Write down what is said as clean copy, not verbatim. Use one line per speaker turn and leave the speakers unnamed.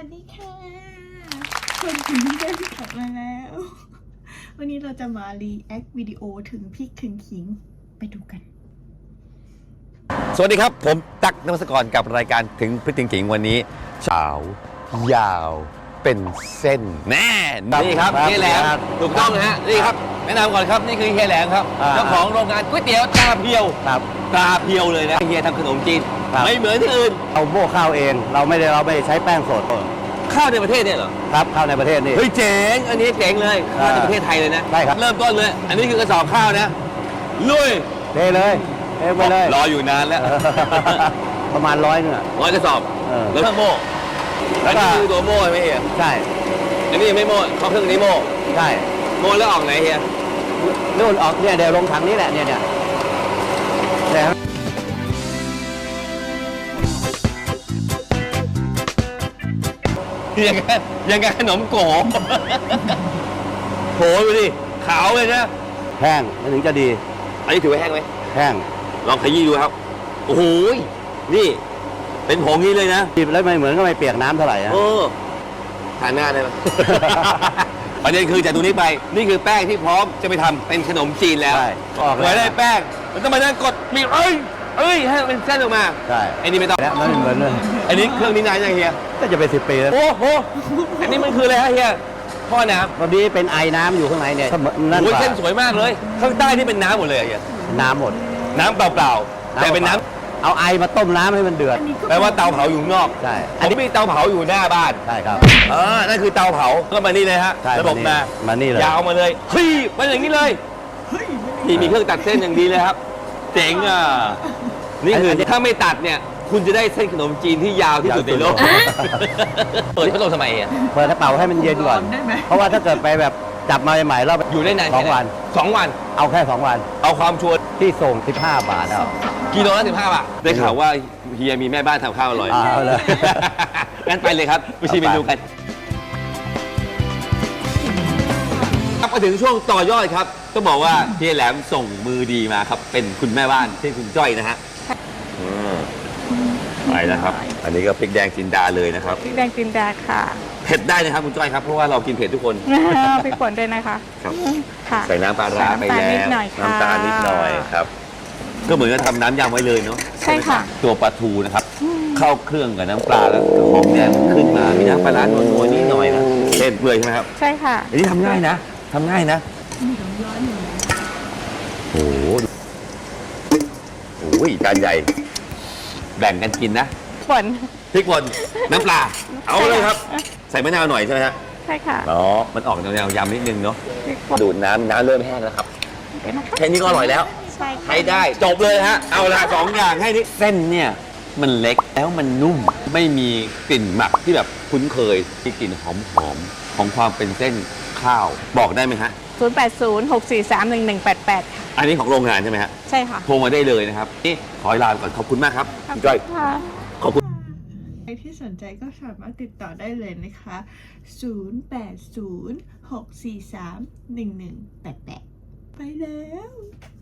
วัสดีค่ะคนถึงเดินกลับมาแล้ว วันนี้เราจะมารีแอควิดีโอถึงพริกถึงขิงไปดูกัน
สวัสดีครับผมตั๊ก นวัศกรกับรายการถึงพริกถึงขิงวันนี้เช้ายาวเป็นเส้นแน่นี่ครับเฮียแหลมถูกต้องนะฮะนี่ครับแนะนำก่อนครับนี่คือเฮียแหลมครับเจ้าของโรงงานก๋วยเตี๋ยวตาเพียวตาเพียวเลยนะเฮียทำขนมจีนไม่เหมือนที่อื่น
เราโม่ข้าวเองเราไม่ใช้แป้งสด
ข้าวในประเทศเนี่ยเหรอ
ครับข้าวในประเทศนี่
เฮ้ยเจ๋งอันนี้เจ๋งเลยข้าวในประเทศไทยเลยนะ
ใช่ครับ
เริ่มต้นเลยอันนี้คือกระสอบข้าวนะลุย
เทเลยเทไปเลย
รออยู่นานแล้ว
ประมาณ100นึง
100กระสอบแล้วเครื่องโม่แล้วนี่คือตัวโม่ใช่ไหมเฮีย
ใช่
อันนี้ยังไม่โม่เขาเครื่องนี้โม่
ใช่
โม่แล้วออกไหนเฮีย
นู่นออกเนี่ยเดี๋ยวลงถังนี้แหละเนี่ย
ยังไงขนมโกโหดูดิขาวเลยนะ
แห้งถึงจะดี
อันนี้ถือว่าแห้งไหม
แห้ง
ลองขยี้ดูครับโอ้โหนี่เป็นผงนี้เลยนะ
จีบแล้วไม่เหมือนก็ไม่เปียกน้ำเท่าไหร่นะ
ทานหน้าได้ไหม ประเด็นคือจากตรงนี้ไปนี่คือแป้งที่พร้อมจะไปทำเป็นขนมจีนแล้วเหมือนได้แป้งมันต้องมานั่งกดมีเอ้ยให้เป็นเส้นออกมา
ใช่
อันนี้ไม่ต้อง
แล้วไม่เหมือนเลย
อันนี้เครื่องนี้นานยังเฮีย
ก็จะเป็น10 ปีแล้ว
โอ้โหอันนี้มันคืออะไรฮะเฮียพ่อน้
ำตอนนี้เป็นไอน้ำอยู่ข้างในเนี่ย
โอ้ยเส้นสวยมากเลยข้างใต้นี่เป็นน้ำหมดเลยเฮีย
น้ำหมด
น้ำเปล่าๆแต่เป็นน้ำ
เอาไอมาต้มน้ำให้มันเดือด
แปลว่าเตาเผาอยู่นอก
ใช่
อันนี้มีเตาเผาอยู่หน้าบ้าน
ใช่ครับ
นั่นคือเตาเผาก็มานี่เลยฮะระบบ
มานี่เลย
ยาวมาเลยเฮ้ยมันอย่างนี้เลยนี่มีเครื่องตัดเส้นอย่างดีเลยครับเจ๋งอ่ะนี่คือถ้าไม่ตัดเนี่ยคุณจะได้เส้นขนมจีนที่ยาวที่สุดในโลกเปิดพัดลมทำไมอ่ะ
เปิดกระเป๋าให้มันเย็นก่อนเพราะว่าถ้าเกิดไปแบบจับมาใหม่ๆแล้ว
อยู่ได้นาน
2 วัน
2 วัน
เอาแค่2 วัน
เอาความชัวร์
ที่ส่ง15 บาทเอา
กิโลละ15 บาทได้ข่าวว่าเฮียมีแม่บ้านทำข้าวอร่อย
เอาเลย
งั้นไปเลยครับไปชิมเมนูกันมาถึงช่วงต่อยอดครับต้องบอกว่าเฮียแหลมส่งมือดีมาครับเป็นคุณแม่บ้านที่คุณจ้อยนะฮะไปนะครับอันนี้ก็พริกแดงจินดาเลยนะครับ
พริกแดงจินดาค่ะ
เผ็ดได้นะครับคุณจ้อยครับเพราะว่าเรากินเผ็ดทุกคน
พริกป่นด้วยนะคะ
ครับใส่น้ำปลาร้าไปแล้วน้ำตาลนิดหน่อยครับก็เหมือนกับทำน้ำยำไว้เลยเนาะ
ใช่ค่ะ
ตัวปลาทูนะครับเข้าเครื่องกับน้ำปลาแล้วหอมแดงขึ้นมามีน้ำปลาร้านัวๆนิดหน่อยนะเส้นเปื่อยใช่ไหมครับ
ใช่ค่ะ
อันนี้ทำง่ายนะโอ้โหจานใหญ่แบ่งกันกินนะ
ป่น
พริกป่นน้ำปลาเอาเลยครับใส่มะนาวหน่อยใช่ไหมฮะ
ใช่ค่ะ
มันออกแนวยำนิดนึงเนาะดูดน้ำเริ่มแห้งแล้วครับแค่นี้ก็อร่อยแล้วใช้ได้จบเลยฮะเอาละ2 อย่างให้นี่เส้นเนี่ยมันเล็กแล้วมันนุ่มไม่มีกลิ่นหมักที่แบบคุ้นเคยที่กลิ่นหอมของความเป็นเส้นข้าวบอกได้ไหมฮะ
0806431188ค่ะ
อันนี้ของโรงงานใช่ไหมฮะ
ใช่ค่ะ
โทรมาได้เลยนะครับนี่ขอลาก่อนขอบคุณมากครับคุณจ้อยขอบคุณ
ใครที่สนใจก็สามารถติดต่อได้เลยนะคะ0806431188ไปแล้ว